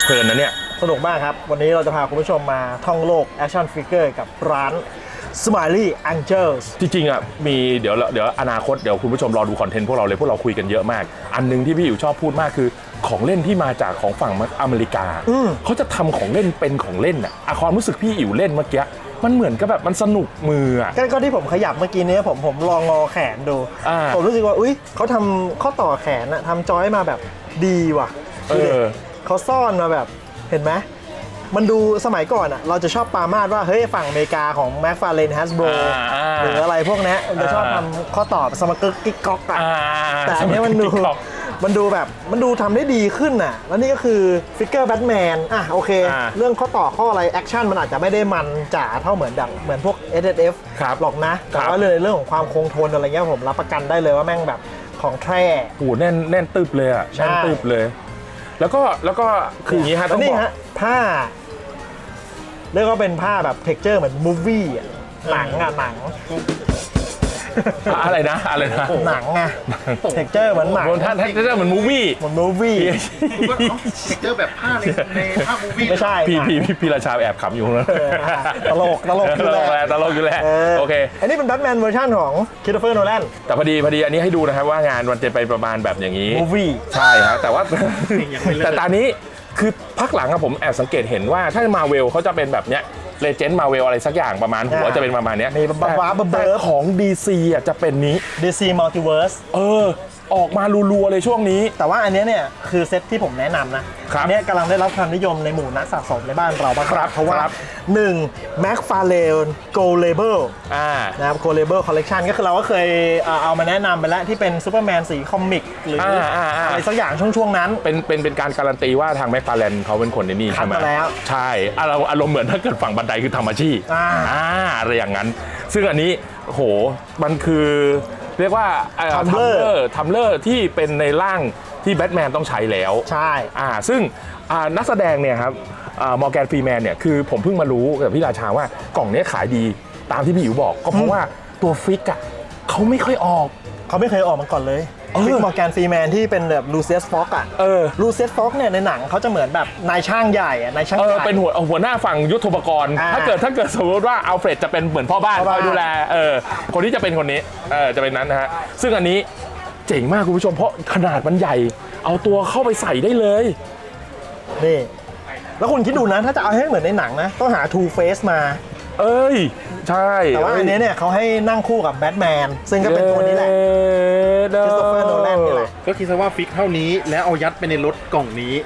เพลินนะเนี่ยสนุกมากครับวันนี้เราจะพาคุณผู้ชมมาท่องโลกแอคชั่นฟิกเกอร์กับร้าน Smiley Angels จริงๆอ่ะมีเดี๋ยวอนาคตเดี๋ยวคุณผู้ชมรอดูคอนเทนต์พวกเราเลยพวกเราคุยกันเยอะมากอันนึงที่พี่อยู่ชอบพูดมากคือของเล่นที่มาจากของฝั่งอเมริกาเขาจะทำของเล่นเป็นของเล่นอ่ะความรู้สึกพี่อิ๋วเล่นเมื่อกี้มันเหมือนกับแบบมันสนุกมืออ่ะก็ที่ผมขยับเมื่อกี้นี้ผมลองงอแขนดูผมรู้สึกว่าอุ๊ยเขาทำข้อต่อแขนอะทำจอยมาแบบดีว่ะเขาซ่อนมาแบบเห็นไหมมันดูสมัยก่อนอ่ะเราจะชอบปามาดว่าเฮ้ยฝั่งอเมริกาของ McFarlane Hasbro หรืออะไรพวกนี้มันจะชอบทำข้อต่อสมกึกกิ๊กก๊อกอ่ะแต่อันนี้มันดูแบบมันดูทำได้ดีขึ้นอ่ะแล้วนี่ก็คือฟิกเกอร์แบทแมนอ่ะโอเคเรื่องข้อต่อข้ออะไรแอคชั่นมันอาจจะไม่ได้มันจ๋าเท่าเหมือนพวก SSF หรอกนะแต่ว่าเรื่องของความคงทนอะไรเงี้ยผมรับประกันได้เลยว่าแม่งแบบของแท้โอ้แน่นตึบเลยอ่ะแน่นตึบเลยแล้วก็คืออย่างนี้ฮะต้องบอกผ้าเรียกว่าเป็นผ้าแบบเท็กเจอร์เหมือนมูฟวี่หนังอะไรนะหนังไงเท็กเจอร์เหมือนหนังเท็กเจอร์เหมือนมูฟวี่เท็กเจอร์แบบผ้าในภาพมูฟวี่ไม่ใช่พี่ราชาแอบขำอยู่นะตลกอยู่แล้วโอเคอันนี้เป็นแบทแมนเวอร์ชันของคริสโตเฟอร์โนแลนแต่พอดีอันนี้ให้ดูนะครับว่างานมันจะไปประมาณแบบอย่างนี้มูฟวี่ใช่ครับแต่ว่าแต่ตอนนี้คือพักหลังผมแอบสังเกตเห็นว่าถ้ามาเวลเขาจะเป็นแบบเนี้ยเลเจนด์มาเวลอะไรสักอย่างประมาณหัวจะเป็นประมาณนี้มีบ้าแต่ของ DC อ่ะจะเป็นนี้ DC Multiverse ออกมารัวๆเลยช่วงนี้แต่ว่าอันนี้เนี่ยคือเซตที่ผมแนะนำนะอันนี้กำลังได้รับความนิยมในหมู่นักสะสมในบ้านเราบ้างครับเพราะว่า1 McFarlane Gold Label นะครับ Gold Label Collection ก็คือเราก็เคยเอามาแนะนำไปแล้วที่เป็นซูเปอร์แมนสีคอมิกหรืออะไรสักอย่างช่วงนั้นเป็นการการันตีว่าทาง McFarlane เขาเป็นคนในนี่ใช่ไหมใช่อารมณ์เหมือนถ้าเกิดฝั่งบันไดคือทำอาชีพอะไรอย่างนั้นซึ่งอันนี้โหมันคือเรียกว่าทัมเลอร์ที่เป็นในร่างที่แบทแมนต้องใช้แล้วใช่ซึ่งนักแสดงเนี่ยครับมอร์แกนฟรีแมนเนี่ยคือผมเพิ่งมารู้กับพี่ราชาว่ากล่องนี้ขายดีตามที่พี่อิ๋วบอกก็เพราะว่าตัวฟิกอ่ะเขาไม่ค่อยออกเขาไม่เคยออกมาก่อนเลยฟิกมอร์แกนฟรีแมนที่เป็นแบบลูเซียสฟ็อกอ่ะลูเซียสฟ็อกเนี่ยในหนังเขาจะเหมือนแบบนายช่างใหญ่นายช่างใหญ่เป็นหัวหน้าฝั่งยุทโธปกรณ์ถ้าเกิดสมมติว่าอัลเฟรดจะเป็นเหมือนพ่อบ้านคอยดูแลคนที่จะเป็นคนนี้จะเป็นนั้นนะฮะซึ่งอันนี้เจ๋งมากคุณผู้ชมเพราะขนาดมันใหญ่เอาตัวเข้าไปใส่ได้เลยนี่แล้วคุณคิดดูนะถ้าจะเอาให้เหมือนในหนังนะต้องหา Two Face มาใช่แต่ว่าอันนี้เนี่ยเขาให้นั่งคู่กับแบทแมนซึ่งก็เป็นตัวนี้แหละคริสโตเฟอร์โนแลนนี่แหละก็คิดซะว่าฟิกเท่านี้แล้วเอายัดไปในรถกล่องนี้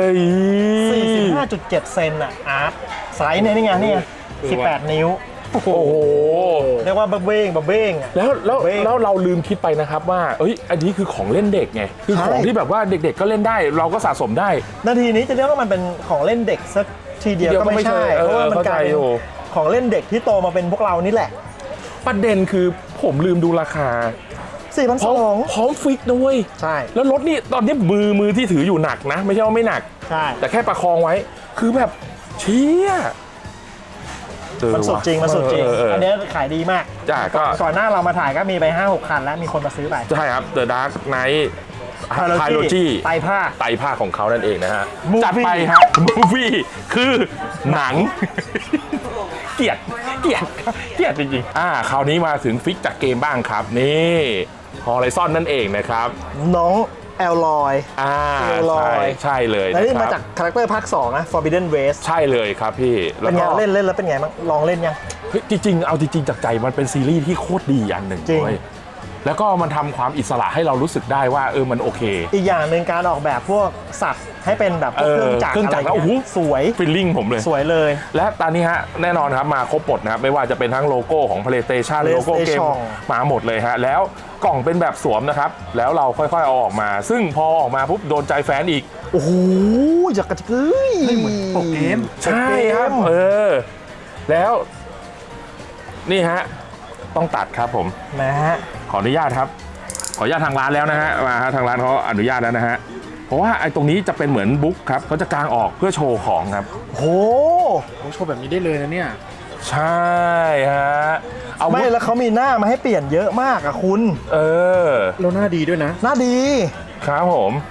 45.7 เซนอะอาร์ตไซส์เนี่ยนี่ไง18 นิ้วโอ้โหเรียกว่าบับเบ้งแล้วเราลืมคิดไปนะครับว่าอันนี้คือของเล่นเด็กไงคือของที่แบบว่าเด็กๆก็เล่นได้เราก็สะสมได้นาทีนี้จะเรียกว่ามันเป็นของเล่นเด็กสักทีเดียวก็ไม่ใช่เพราะว่ามันกลายเป็นของเล่นเด็กที่โตมาเป็นพวกเรานี่แหละประเด็นคือผมลืมดูราคา 4,200 พร้อมฟิกด้วยใช่แล้วรถนี่ตอนนี้มือที่ถืออยู่หนักนะไม่ใช่ว่าไม่หนักใช่แต่แค่ประคองไว้คือแบบเชี่ยมันสุดจริงอันนี้ขายดีมากก่อนหน้าเรามาถ่ายก็มีไป 5-6 คันแล้วมีคนมาซื้อไปใช่ครับ The Dark Knight Trilogy ไตรภาคของเขานั่นเองนะฮะจัดไปครับมูฟวี่คือหนังเกลียดจริงๆคราวนี้มาถึงฟิกจากเกมบ้างครับนี่Horizon นั่นเองนะครับน้องแอลลอยใช่เลยแล้วนี่มาจากคาแรคเตอร์ภาค2นะ Forbidden West ใช่เลยครับพี่เป็นไงเล่นแล้วเป็นไงบ้างลองเล่นยังจริงๆเอาจริงๆจากใจมันเป็นซีรีส์ที่โคตรดีอันหนึ่งเลยแล้วก็มันทำความอิสระให้เรารู้สึกได้ว่ามันโอเคอีกอย่างหนึ่งการออกแบบพวกสัตว์ให้เป็นแบบเครื่องจักรอะไรโอ้โหสวยฟีลลิ่งผมเลยสวยเลยและตอนนี้ฮะแน่นอนครับมาครบหมดนะครับไม่ว่าจะเป็นทั้งโลโก้ของ PlayStation โลโก้เกมมาหมดเลยฮะแล้วกล่องเป็นแบบสวมนะครับแล้วเราค่อยๆเอาออกมาซึ่งพอออกมาปุ๊บโดนใจแฟนอีกโอ้โหอยากกระจื้ยเหมือนปกเกมใช่ครับแล้วนี่ฮะต้องตัดครับผมนะฮะขออนุญาตครับขออนุญาตทางร้านแล้วนะฮะมาทางร้านเขาอนุญาตแล้วนะฮะเพราะว่าไอ้ตรงนี้จะเป็นเหมือนบุ๊กครับเขาจะกางออกเพื่อโชว์ของครับโหโชว์แบบนี้ได้เลยนะเนี่ยใช่ฮะเอาไม่แล้วเขามีหน้ามาให้เปลี่ยนเยอะมากอะคุณแล้วหน้าดีด้วยนะหน้าดีครับผม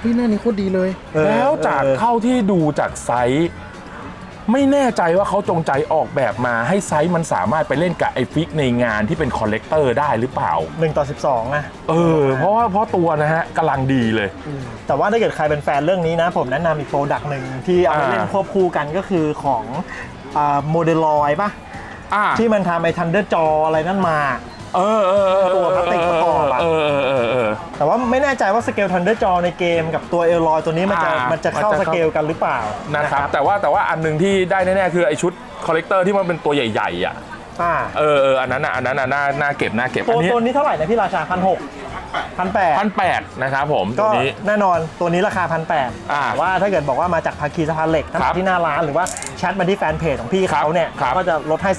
พี่หน้านี้โคตรดีเลยแล้วจากเท่าที่ดูจากไซส์ไม่แน่ใจว่าเขาจงใจออกแบบมาให้ไซส์มันสามารถไปเล่นกับไอฟิกในงานที่เป็นคอลเลกเตอร์ได้หรือเปล่า 1:12นะเพราะตัวนะฮะกำลังดีเลยแต่ว่าถ้าเกิดใครเป็นแฟนเรื่องนี้นะผมแนะนำอีกโปรดักต์หนึ่งที่เอาไปเล่นควบคู่กันก็คือของโมเดลอยป่ะที่มันทำไอ้ทันเดอร์จออะไรนั่นมาตัวพลาสติกประกอบแต่ว่าไม่แน่ใจว่าสเกลทันเดอร์จอในเกมกับตัวเอลลอยตัวนี้มันจะเข้าสเกลกันหรือเปล่านะครับแต่ว่าอันนึงที่ได้แน่ๆคือไอชุดคอลเลกเตอร์ที่มันเป็นตัวใหญ่ๆอันนั้นน่าเก็บตัวนี้เท่าไหร่นะพี่ราชา 1,800นะครับผมก็แน่นอนตัวนี้ราคา1,800ว่าถ้าเกิดบอกว่ามาจากภาคีสะพานเหล็กทั้งที่หน้าร้านหรือว่าแชทมาที่แฟนเพจของพี่เขาเนี่ยก็จะลดให้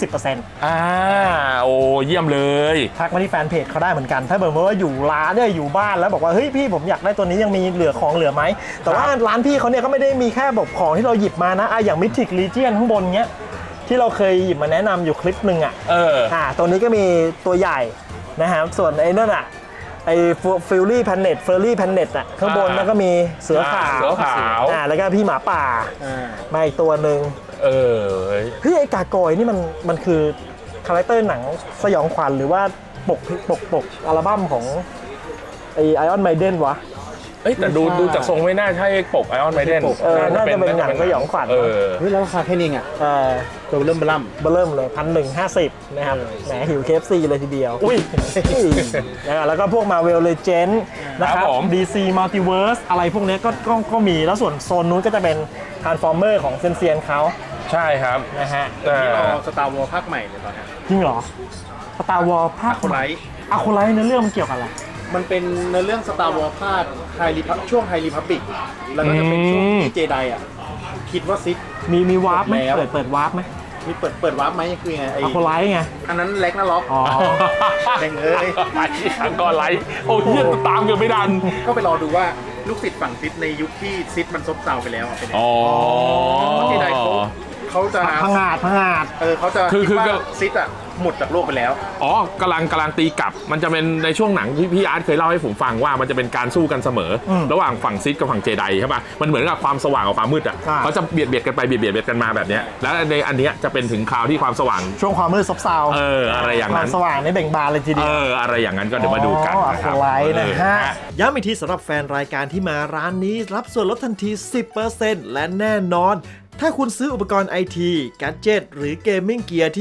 10% โอ้เยี่ยมเลยทักมาที่แฟนเพจเขาได้เหมือนกันถ้าบอกว่าอยู่ร้านเนี่ยอยู่บ้านแล้วบอกว่าเฮ้ยพี่ผมอยากได้ตัวนี้ยังมีเหลือไหมแต่ว่าร้านพี่เขาเนี่ยก็ไม่ได้มีแค่แบบของที่เราหยิบมานะอย่างมิทิกลีเจียนข้างบนเนี้ยที่เราเคยหยิบมาแนะนำอยู่คลิปหนึ่งตัวนี้ก็มีตัวใหญ่นะครับส่วนไอ้นั่นไอ้ฟิลลี่แพนเน็ตข้างบนแล้วก็มีเสือขาวแล้วก็พี่หมาป่ามาอีกตัวหนึ่งเฮ้ยไอ้กากอยนี่มันคือคาแรคเตอร์หนังสยองขวัญหรือว่าปกอัลบั้มของไอออนไมเดนวะแต่ดูจากทรงไม่น่าใช่ปกไอออนไมเดนน่าจะเป็นหนังสยองขวัญแล้วราคาแค่นี้ตัวเริ่มเลย1,150นะครับแหมหิว KFC เลยทีเดียวแล้วก็พวก Marvel Legends นะครับ DC Multiverse อะไรพวกนี้ก็มีแล้วส่วนโซนนู้นก็จะเป็น Transformer ของเซียนเขาใช่ครับนะฮะที่รอ Star Wars ภาคใหม่เลยตอนนี้จริงเหรอ Star Wars ภาคอะคูไลท์เนื้อเรื่องมันเกี่ยวกับอะไรมันเป็นในเรื่อง Star Wars ภาคช่วงไฮรีพับบิกแล้วก็จะเป็นช่วงที่เจไดคิดว่าซิธมีวาร์ปไหมเปิดวาร์ปไหมมีเปิดวาร์ปไหมคือไงอะโคไลท์ไงอันนั้นเล็กนะล็อกแดงก็ไลท์โอ้ยตามกันไม่ทันก็ไปรอดูว่าลูกศิษย์ฝั่งซิธในยุคที่ซิธมันซบเซาไปแล้วเป็นยังไงเพราะเจไดเขาจะพังงาดเขาจะคิดว่าซิธหมดจากโลกไปแล้วกำลังตีกลับมันจะเป็นในช่วงหนังที่พี่อาร์ตเคยเล่าให้ผมฟังว่ามันจะเป็นการสู้กันเสมอระหว่างฝั่งซิธกับฝั่งเจไดใช่ป่ะมันเหมือนกับความสว่างกับความมืดเขาจะเบียดกันไปเบียดกันมาแบบนี้แล้วในอันนี้จะเป็นถึงคราวที่ความสว่างช่วงความมืดซบเซาอะไรอย่างนั้นความสว่างนี่เบ่งบานเลยทีเดียวอะไรอย่างนั้นก็เดี๋ยวมาดูกันนะครับนะฮะย้ำอีกทีสำหรับแฟนรายการที่มาร้านนี้รับส่วนลดทันที 10% และแน่นอนถ้าคุณซื้ออุปกรณ์ IT แกดเจ็ตหรือเกมมิ่งเกียร์ที่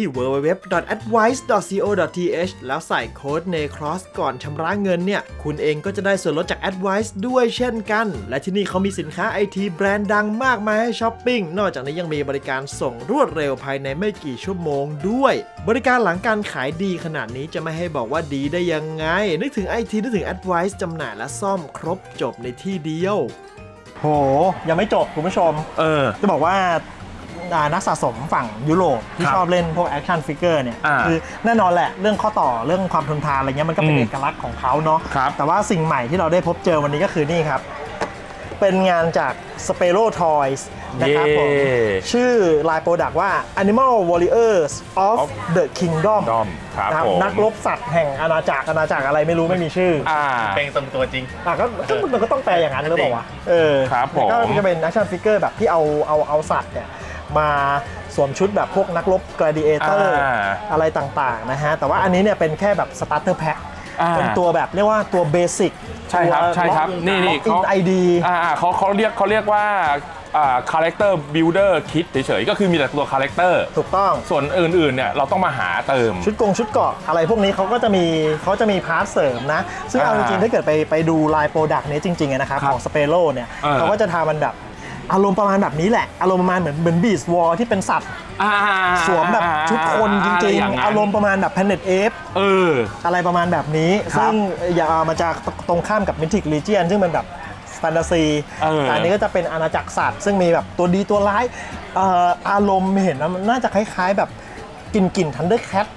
www.advice.co.th แล้วใส่โค้ด NECROSS ก่อนชำระเงินเนี่ยคุณเองก็จะได้ส่วนลดจาก Advice ด้วยเช่นกันและที่นี่เขามีสินค้า IT แบรนด์ดังมากมายให้ช้อปปิ้งนอกจากนี้ยังมีบริการส่งรวดเร็วภายในไม่กี่ชั่วโมงด้วยบริการหลังการขายดีขนาดนี้จะไม่ให้บอกว่าดีได้ยังไงนึกถึง IT นึกถึง Advice จำหน่ายและซ่อมครบจบในที่เดียวโหยังไม่จบคุณผู้ชมจะบอกว่านักสะสมฝั่งยุโรปที่ชอบเล่นพวกแอคชั่นฟิกเกอร์เนี่ยคือแน่นอนแหละเรื่องข้อต่อเรื่องความทนทานอะไรเงี้ยมันก็เป็นเอกลักษณ์ของเขาเนาะแต่ว่าสิ่งใหม่ที่เราได้พบเจอวันนี้ก็คือนี่ครับเป็นงานจาก Spero Toys นะครับผมชื่อลายโปรดักต์ว่า Animal Warriors of the Kingdom นะครับนักรบสัตว์แห่งอาณาจักรอะไรไม่รู้ไม่มีชื่อเป็นตรงตัวจริงมันก็ต้องแปลอย่างนั้นหรือเปล่าวะครับผมก็จะเป็นแอคชั่นฟิกเกอร์แบบที่เอาสัตว์เนี่ยมาสวมชุดแบบพวกนักรบ gladiator อะไรต่างๆนะฮะแต่ว่าอันนี้เนี่ยเป็นแค่แบบ starter pack เป็นตัวแบบเรียกว่าตัวเบสิกใช่ครับนี่เขาID เขาเรียกว่าcharacter builder kit เฉยๆก็คือมีแต่ตัว character ถูกต้องส่วนอื่นๆเนี่ยเราต้องมาหาเติมชุดเกาะอะไรพวกนี้เขาจะมีพาร์ทเสริมนะซึ่งเอาจริงๆถ้าเกิดไปดูลายโปรดักต์นี้จริงๆนะครับของ Spero เนี่ยเขาก็จะทำมันแบบอารมณ์ประมาณแบบนี้แหละอารมณ์ประมาณเหมือนบีสต์วอลที่เป็นสัตว์สวมแบบชุดคนจริงๆอารมณ์ประมาณแบบ Planet Ape อะไรประมาณแบบนี้ซึ่งมาจากตรงข้ามกับ Mythic Legion ซึ่งเป็นแบบแฟนตาซีอันนี้ก็จะเป็นอาณาจักรสัตว์ซึ่งมีแบบตัวดีตัวร้ายอารมณ์เห็นนะมันน่าจะคล้ายๆแบบกลิ่น Thundercat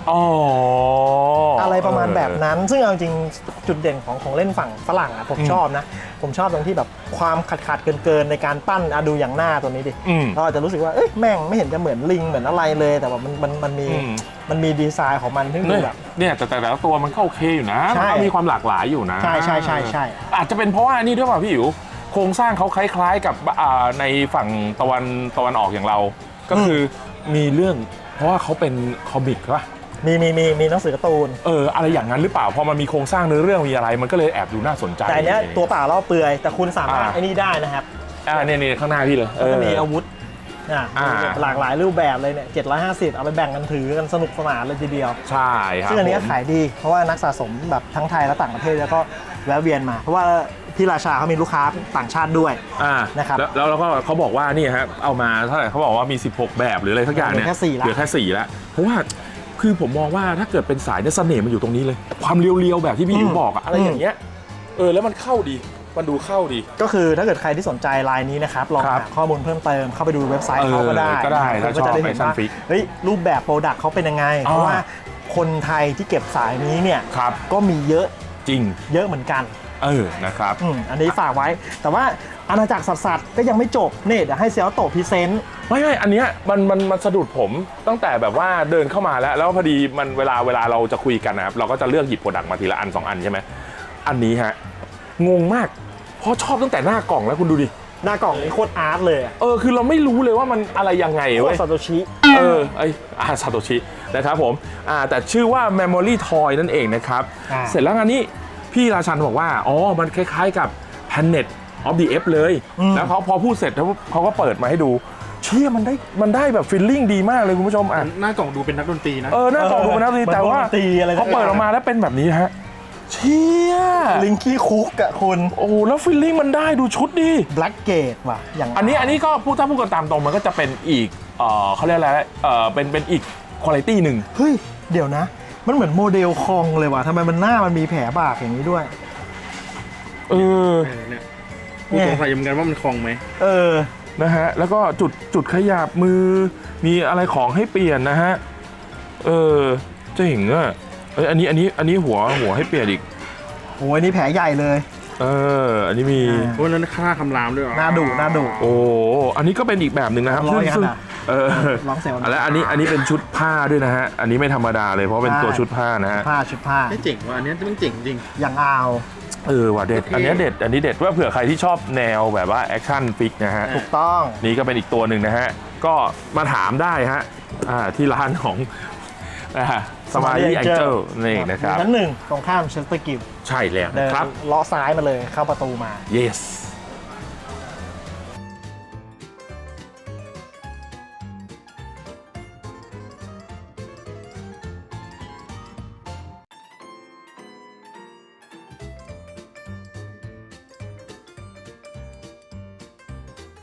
อะไรประมาณแบบนั้นซึ่งเอาจริงจุดเด่นของเล่นฝั่งฝรั่งอ่ะผมชอบนะผมชอบตรงที่แบบความขาดเกินในการปั้นดูอย่างหน้าตัวนี้ดิเราอาจจะรู้สึกว่าแม่งไม่เห็นจะเหมือนลิงเหมือนอะไรเลยแต่ว่ามันมีดีไซน์ของมันที่แบบเนี่ยแต่ละตัวมันก็โอเคอยู่นะมันก็มีความหลากหลายอยู่นะใช่อาจจะเป็นเพราะว่านี่ด้วยป่ะพี่อิ๋วโครงสร้างเขาคล้ายๆกับในฝั่งตะวันออกอย่างเรา ก็คือมีเรื่องเพราะว่าเขาเป็นคอมิกป่ะมีหนังสือการ์ตูนอะไรอย่างนั้นหรือเปล่าพอมันมีโครงสร้างเนื้อเรื่องมีอะไรมันก็เลยแอบดูน่าสนใจแต่อันเนี้ยตัวเปล่าเล่าเปลือยแต่คุณสามารถไอ้นี่ได้นะครับเนี่ยข้างหน้าพี่เลยจะมีอาวุธหลากหลายรูปแบบเลยเนี่ย750เอาไปแบ่งกันถือกันสนุกสนานเลยทีเดียวใช่ครับซึ่งอันนี้ขายดีเพราะว่านักสะสมแบบทั้งไทยและต่างประเทศแล้วก็แวะเวียนมาเพราะว่าพี่ราชาเขามีลูกค้าต่างชาติด้วยนะครับแล้วก็เขาบอกว่านี่ครับเอามาเท่าไหร่เขาบอกว่ามี16แบบหรืออะไรทักอย่างเนี่ยเหลือแค่4แล้วเพราะว่าคือผมมองว่าถ้าเกิดเป็นสายเนี่ยเสน่ห์มันอยู่ตรงนี้เลยความเรียวๆแบบที่พี่อิ๋วบอกอะไรอย่างเงี้ยแล้วมันเข้าดีมันดูเข้าดีก็คือถ้าเกิดใครที่สนใจลายนี้นะครับลองหาข้อมูลเพิ่มเติมเข้าไปดูเว็บไซต์เขาก็ได้ก็จะได้เห็นว่ารูปแบบโปรดักต์เขาเป็นยังไงเพราะว่าคนไทยที่เก็บสายนี้เนี่ยก็มีเยอะจริงเยอะเหมือนกันนะครับอันนี้ฝากไว้แต่ว่าอาณาจักรสัตว์ก็ยังไม่จบเนี่ยเดี๋ยวให้เซียวโตพรีเซนต์ไม่อันเนี้ยมันสะดุดผมตั้งแต่แบบว่าเดินเข้ามาแล้วพอดีมันเวลาเราจะคุยกันนะครับเราก็จะเลือกหยิบโปรดักต์มาทีละอัน2อันใช่ไหมอันนี้ฮะงงมากเพราะชอบตั้งแต่หน้ากล่องแล้วคุณดูดิหน้ากล่องนี่โคตรอาร์ตเลยคือเราไม่รู้เลยว่ามันอะไรยังไงเว้ยซาโตชิซาโตชินะครับผมแต่ชื่อว่า Memory Toy นั่นเองนะครับเสร็จแล้วอันนี้พี่ราชันบอกว่ามันคล้ายๆกับ Planet of the Apes เลยแล้วเขาพอพูดเสร็จเขาก็เปิดมาให้ดูเชี่ยมันได้แบบฟีลลิ่งดีมากเลยคุณผู้ชมหน้ากล่องดูเป็นนักดนตรีนะหน้ากล่องดูเป็นนักดนตรีแต่ว่าเขาเปิดออกมาแล้วเป็นแบบนี้ฮะเชี่ยลิงกี้คุกอะคุณแล้วฟีลลิ่งมันได้ดูชุดดีแบล็กเกตว่ะอย่างอันนี้ก็พูดกันตามตรงมันก็จะเป็นอีกเขาเรียกอะไรเป็นอีกคุณภาพหนึ่งเฮ้ยเดี๋ยวนะมันเหมือนโมเดลคองเลยว่ะทำไมมันหน้ามันมีแผลบากอย่างนี้ด้วยเนี่ยกูสงสัยเหมือนกันว่ามันคองไหมนะฮะแล้วก็จุดขยับมือมีอะไรของให้เปลี่ยนนะฮะเจ๋งอ่ะอันนี้หัวให้เปลี่ยนอีกโอ้ยนี่แผลใหญ่เลยอันนี้มีนั้นค่าคำรามด้วยหน้าดุอันนี้ก็เป็นอีกแบบหนึ่งนะครับซึ่งร้องเสียงแล้วอันนี้เป็นชุดผ้าด้วยนะฮะอันนี้ไม่ธรรมดาเลยเพราะเป็นตัวชุดผ้านะฮะชุดผ้าเจ๋งว่ะอันนี้มันเจ๋งจริงอย่างว่ะเด็ดอันนี้เด็ดว่าเผื่อใครที่ชอบแนวแบบว่าแอคชั่นฟิกนะฮะถูกต้องนี่ก็เป็นอีกตัวหนึ่งนะฮะก็มาถามได้ฮะที่ร้านของสมาร์ทแองเจิลนี่นะครับชั้น 1ตรงข้ามเชสเตอร์กิลใช่แล้วนะครับเลาะซ้ายมาเลยเข้าประตูมา yes